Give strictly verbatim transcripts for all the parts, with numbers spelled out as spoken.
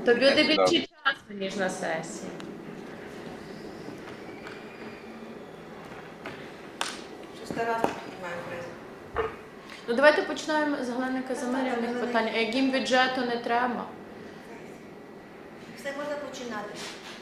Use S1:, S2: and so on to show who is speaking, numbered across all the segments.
S1: То буде більше часу, ніж на сесії. Ну давайте починаємо з Галини Казимирівних питань. А яким бюджету не треба?
S2: Все можна починати.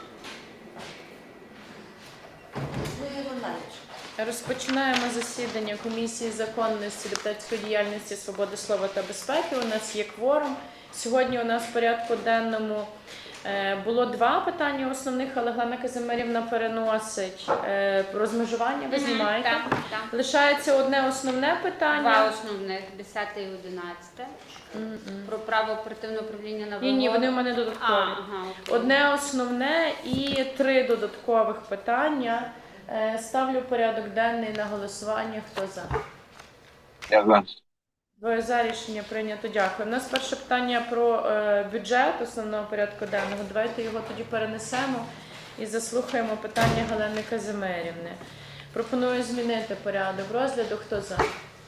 S2: Ну, його навіть.
S1: Розпочинаємо засідання Комісії законності, депутатської діяльності, свободи слова та безпеки. У нас є кворум. Сьогодні у нас в порядку денному було два питання основних, але Галина Казимирівна переносить розмежування, ви знімаєте.
S3: Так, так.
S1: Лишається одне основне питання.
S3: Два основних, десяте і одинадцяте. Mm-mm. Про право оперативного управління на вимогу.
S1: Ні, ні, вони в мене додаткові.
S3: А, ага,
S1: одне основне і три додаткових питання. Ставлю порядок денний на голосування. Хто за?
S4: Я за.
S1: Двоє за, рішення прийнято. Дякую. У нас перше питання про е, бюджет основного порядку денного. Давайте його тоді перенесемо і заслухаємо питання Галини Казимирівни. Пропоную змінити порядок розгляду. Хто за?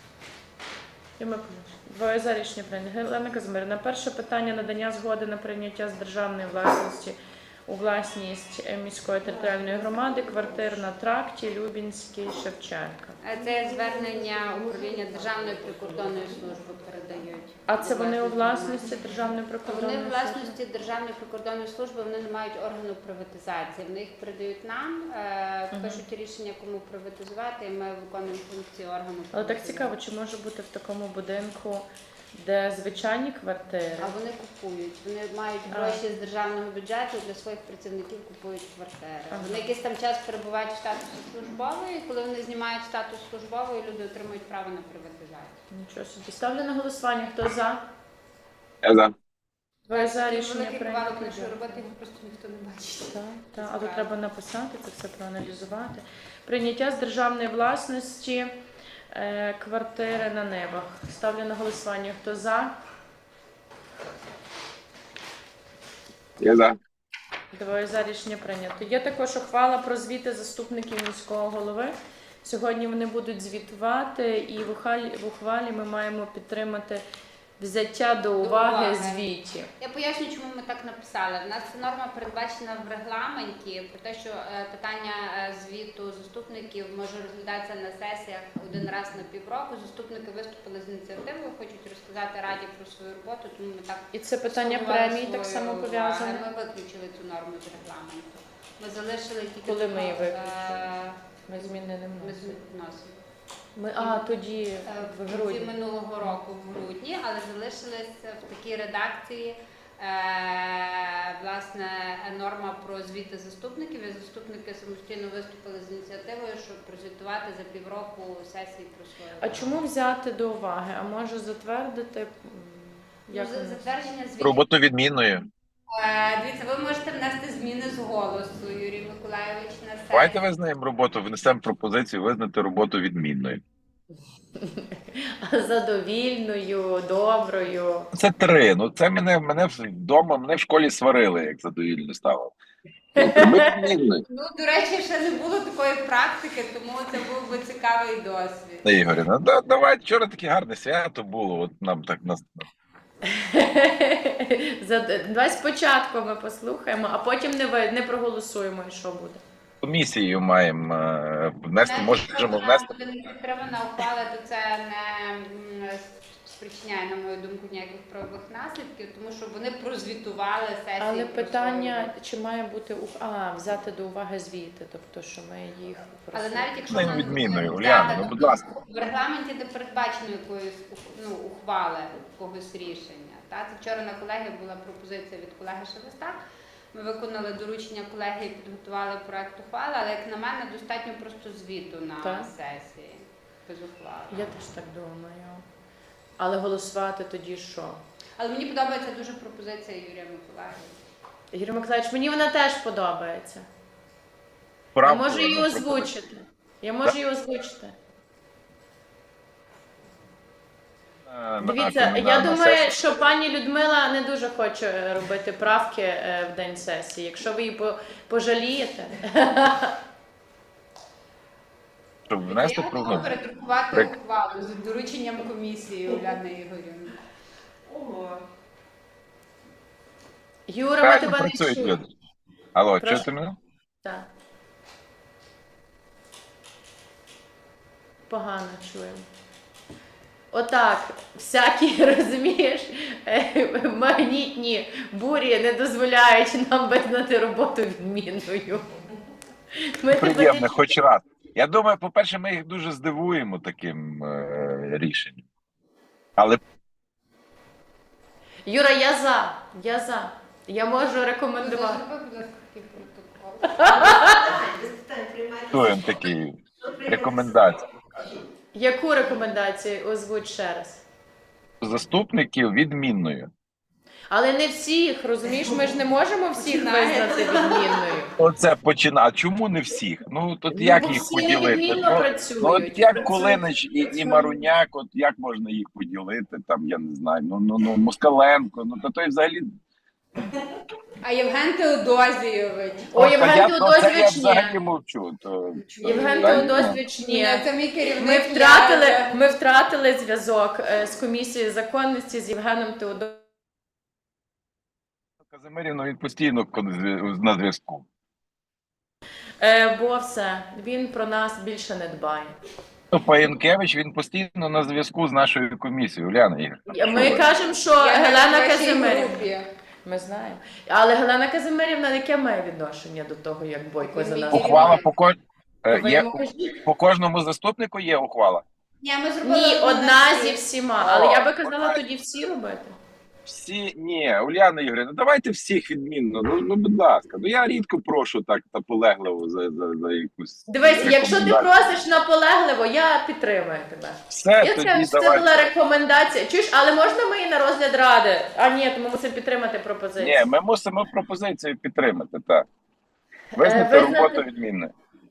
S1: Двоє за, рішення прийнято. Галина Казимирівна, перше питання надання згоди на прийняття з державної власності у власність міської територіальної громади квартир на тракті Любінський, Шевченка.
S3: Це звернення управління Державної прикордонної служби передають.
S1: А це вони у власності Державної прикордонної
S3: служби?
S1: служби?
S3: Вони у власності Державної прикордонної служби, вони не мають органу приватизації. Вони їх передають нам, е, пишуть рішення, кому приватизувати, і ми виконуємо функції органу.
S1: Але так цікаво, чи може бути в такому будинку, де звичайні квартири?
S3: А вони купують. Вони мають гроші з державного бюджету, для своїх працівників купують квартири. Ага. Вони якийсь там час перебувають в статусі службової, і коли вони знімають статус службової, люди отримують право на приватизацію.
S1: Нічого собі. Ставлю на голосування. Хто за?
S4: Я за.
S1: Двоє за, рішення
S3: великий
S1: прийнято.
S3: кавалок нашої роботи, його просто ніхто не бачить.
S1: Так, так. А тут треба написати, це все проаналізувати. Прийняття з державної власності е, квартири на Нивах. Ставлю на голосування. Хто за?
S4: Я за.
S1: Двоє за, рішення прийнято. Є також ухвала про звіти заступників міського голови. Сьогодні вони будуть звітувати, і в ухвалі, в ухвалі ми маємо підтримати взяття до уваги, до уваги звітів.
S3: Я поясню, чому ми так написали. У нас норма передбачена в регламенті про те, що питання звіту заступників може розглядатися на сесіях один раз на півроку. Заступники виступили з ініціативою, хочуть розказати Раді про свою роботу, тому ми так...
S1: І це питання премії так само пов'язане?
S3: Ми виключили цю норму з регламенту. Ми залишили тільки...
S1: Коли ми її виключили? Ми зміни не вносимо. Ми, а, тоді в грудні.
S3: минулого року в грудні, але залишилися в такій редакції е, власне норма про звіти заступників. І заступники самостійно виступили з ініціативою, щоб прозвітувати за півроку сесії про свою.
S1: А чому взяти до уваги? А може затвердити? Як
S3: ну, затвердження звітів.
S4: Роботу відмінною.
S3: Е, дивіться, ви можете внести зміни з голосу, Юрій Миколайович, на сесію.
S4: Давайте визнаємо роботу, внесемо пропозицію визнати роботу відмінною.
S1: Задовільною, доброю.
S4: Це три. Ну це мене, мене вдома, мене в школі сварили, як задовільно ставив. Відмінною.
S3: Ну, до речі, ще не було такої практики, тому це був би цікавий досвід.
S4: Ігорівна, да, давай, вчора таке гарне свято було, от нам так нас...
S1: Давай спочатку ми послухаємо, а потім не, ви, не проголосуємо, і що буде.
S4: Комісією маємо е, внести, можемо внести.
S3: Якщо буде не підтримана ухвала, то це не спричиняє, на мою думку, ніяких правових наслідків, тому що вони прозвітували сесії.
S1: Але питання, чи має бути а, взяти до уваги звіти, тобто, що ми їх
S3: Але навіть якщо
S4: не відмінною, Уляна, ну будь ласка.
S3: В регламенті не передбачено якоїсь ну, ухвали, якогось рішення. Та? Це вчора на колегії була пропозиція від колеги Шелеста. Ми виконали доручення колегії, підготували проект ухвали, але, як на мене, достатньо просто звіту на так. сесії, без ухвали.
S1: Я теж так думаю. Але голосувати тоді що?
S3: Але мені подобається дуже пропозиція Юрія Миколаївича.
S1: Юрій Миколаївич, мені вона теж подобається.
S4: Правда,
S1: я можу її озвучити. Я можу її озвучити. Дивіться, на, я на, думаю, на що пані Людмила не дуже хоче робити правки в день сесії. Якщо ви її пожалієте.
S4: Щоб внести
S3: я готова передрукувати При... ухвалу з дорученням комісії Уляни Ігорівни. Ого.
S1: Юра, ми
S4: Правильно
S1: тебе не
S4: працюють
S1: чуємо.
S4: люди. Алло,
S1: Прошу.
S4: чуєте мене?
S1: Так. Погано чуємо. Отак, всякі, розумієш, е, магнітні бурі не дозволяють нам визнати роботу відмінною. Ми тебе
S4: Приємно,
S1: не
S4: хоч раз. Я думаю, по-перше, ми їх дуже здивуємо таким е, рішенням. Але
S1: Юра, я за, я за. Я можу рекомендувати.
S3: Зроби, будь ласка, такий протокол.
S2: Без питань приймайте.
S4: чуємо такі рекомендації.
S1: Яку рекомендацію озвуть ще раз?
S4: Заступників відмінною.
S1: Але не всіх, розумієш, ми ж не можемо всіх
S3: Починає.
S1: визнати відмінною.
S4: Оце починає. А чому не всіх? Ну тут
S1: Ну,
S4: як
S1: бо
S4: їх
S1: всі
S4: поділити?
S1: невідмінно
S4: Ну,
S1: працюють.
S4: ну от як
S1: Працюють,
S4: Кулинич і, і
S1: працюють.
S4: Маруняк, от як можна їх поділити? Там я не знаю. Ну ну ну Москаленко, ну то той взагалі.
S3: А Євген Теодозійович.
S1: О,
S4: От,
S1: Євген
S4: я, ну, це я
S1: Теодозійович ні.
S4: взагалі мовчу. То,
S1: Євген
S4: та,
S1: Теодозійович ні.
S3: Ні, це мій керівник.
S1: Ми
S3: я-
S1: втратили, ми втратили зв'язок е, з комісією законності з Євгеном Теодозійовичем.
S4: ну, Казимирівна, він постійно кон- на зв'язку.
S1: Е, бо все, він про нас більше не дбає.
S4: Ну, Паєнкевич, він постійно на зв'язку з нашою комісією. Уляна Ігор.
S1: Ми кажемо, що
S3: Я на
S1: Гелена
S3: вашій
S1: Казимирівна.
S3: групі.
S1: Ми знаємо. Але Гелена Казимирівна, яке має відношення до того, як Бойко за нас?
S4: Ухвала по, ко... е,
S1: Ви
S4: є,
S1: йому кажіть.
S4: по кожному заступнику є ухвала.
S3: Ні, ми зробили
S1: Ні,
S3: одну
S1: одна
S3: на
S1: зі
S3: всіх.
S1: всіма. Але я би
S4: О,
S1: казала
S4: одна.
S1: тоді всі робити.
S4: Всі, ні, Уляна Ігорівна, давайте всіх відмінно. Ну, ну, будь ласка. Ну я рідко прошу так наполегливо за, за, за якусь.
S1: Дивись, якщо ти
S4: рекомендацію.
S1: просиш наполегливо, я підтримую тебе.
S4: Все,
S1: Я
S4: тоді
S1: це, це
S4: давайте.
S1: була рекомендація. Чуєш, але можна ми її на розгляд ради? А ні, то ми мусимо підтримати пропозицію.
S4: Ні, ми мусимо пропозицію підтримати, так. Визнати
S1: Е, визнати-
S4: роботу відмінною.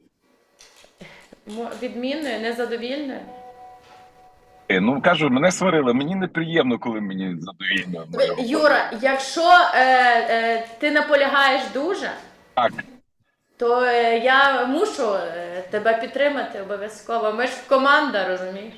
S1: Мо- Відмінною, незадовільною.
S4: Е, Ну кажу, мене сварили, мені неприємно, коли мені задовільно. моя робота.
S1: Юра, якщо е, е, ти наполягаєш дуже,
S4: Так,
S1: то е, я мушу е, тебе підтримати обов'язково. Ми ж команда, розумієш?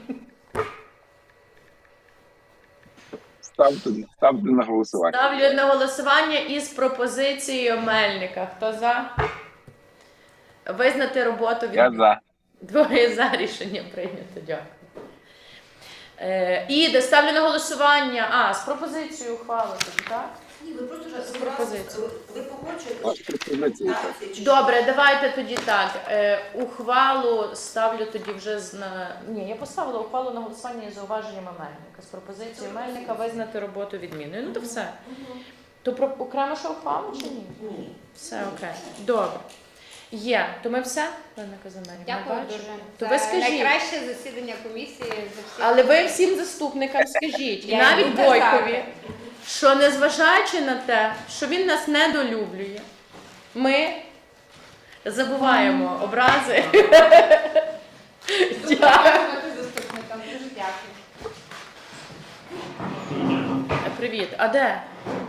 S4: ставте, ставте на голосування.
S1: Ставлю на голосування із пропозицією Мельника. Хто за? Визнати роботу від
S4: Я за.
S1: Двоє за, рішення прийнято. Дякую. Е, і де ставлю на голосування. А, з пропозицією ухвали, тоді, так?
S2: Ні, ви просто
S1: З
S2: ж
S1: пропозицією.
S2: ви погоджуєте.
S4: Ваші пропозиції. так.
S2: Так, це чи-
S1: Добре, давайте тоді так. Е, ухвалу ставлю тоді вже з на. Ні, я поставила ухвалу на голосування із зауваженнями Мельника. З пропозицією Мельника визнати роботу відмінною. Ну то все. То про окремо ще ухвалу чи ні?
S2: Ні.
S1: Все окей. Добре. Є. То ми все, Олена Казимирівна,
S3: Дякую
S1: бачите?
S3: дуже.
S1: То
S3: Це
S1: ви скажіть.
S3: найкраще засідання комісії за всі.
S1: Але ви всім заступникам скажіть, і
S3: Я
S1: навіть
S3: йду казати.
S1: Бойкові, що незважаючи на те, що він нас недолюблює, ми забуваємо образи. Дякую.
S3: Заступникам дуже дякую.
S1: Привіт. А де?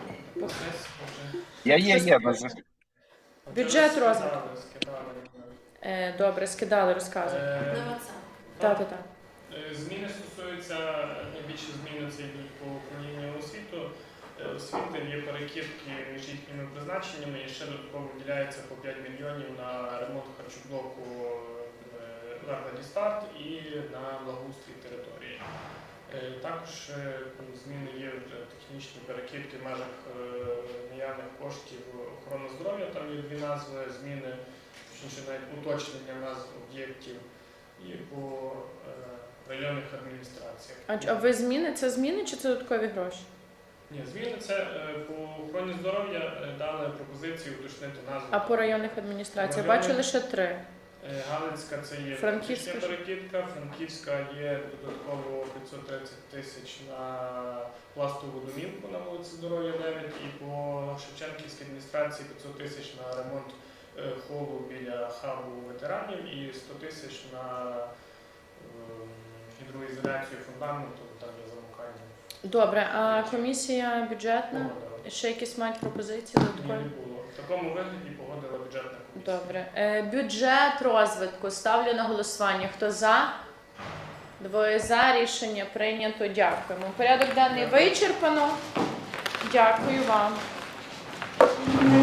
S4: Я є, є. на зв'язку.
S1: Бюджет розвитку.
S5: Скидали.
S1: Е, Добре, скидали, розказуй.
S5: Е,
S2: На WhatsApp.
S1: Так, так, так.
S5: е, Зміни стосуються, найбільше зміни це йдуть по управлінню освіту. Е, Освіти є перекидки між їхніми призначеннями і ще додатково виділяється по п'ять мільйонів на ремонт харчоблоку е, закладі старт і на благоустрій території. Е, Також е, зміни є в технічні перекидки в межах е, наявних коштів охорони здоров'я. Там є дві назви, зміни, точніше навіть уточнення назв об'єктів і по е, районних адміністраціях.
S1: А, ч- а ви зміни? Це зміни чи це додаткові гроші?
S5: Ні, зміни це е, по охороні здоров'я е, дали пропозицію уточнити назву.
S1: А по районних адміністраціях?
S5: Районних-
S1: Бачу лише три.
S5: Е, Галицька це є
S1: Франківська
S5: фактична
S1: ж.
S5: перекидка, Франківська є додатково п'ятсот тридцять тисяч на пластову домівку на вулиці Здоров'я дев'ять і по Шевченківській адміністрації п'ятсот тисяч на ремонт е, холу біля хабу ветеранів і сто тисяч на е, гідроізоляцію фундаменту, там є замикання.
S1: Добре, а комісія бюджетна?
S5: Погодила.
S1: Ще якісь мають пропозиції
S5: Ні,
S1: додаткові?
S5: не було. В такому вигляді погодила бюджетна комісія.
S1: Добре. Е, бюджет розвитку. Ставлю на голосування. Хто за? Двоє за. Рішення прийнято. Дякуємо. Порядок денний вичерпано. Дякую вам. голосування.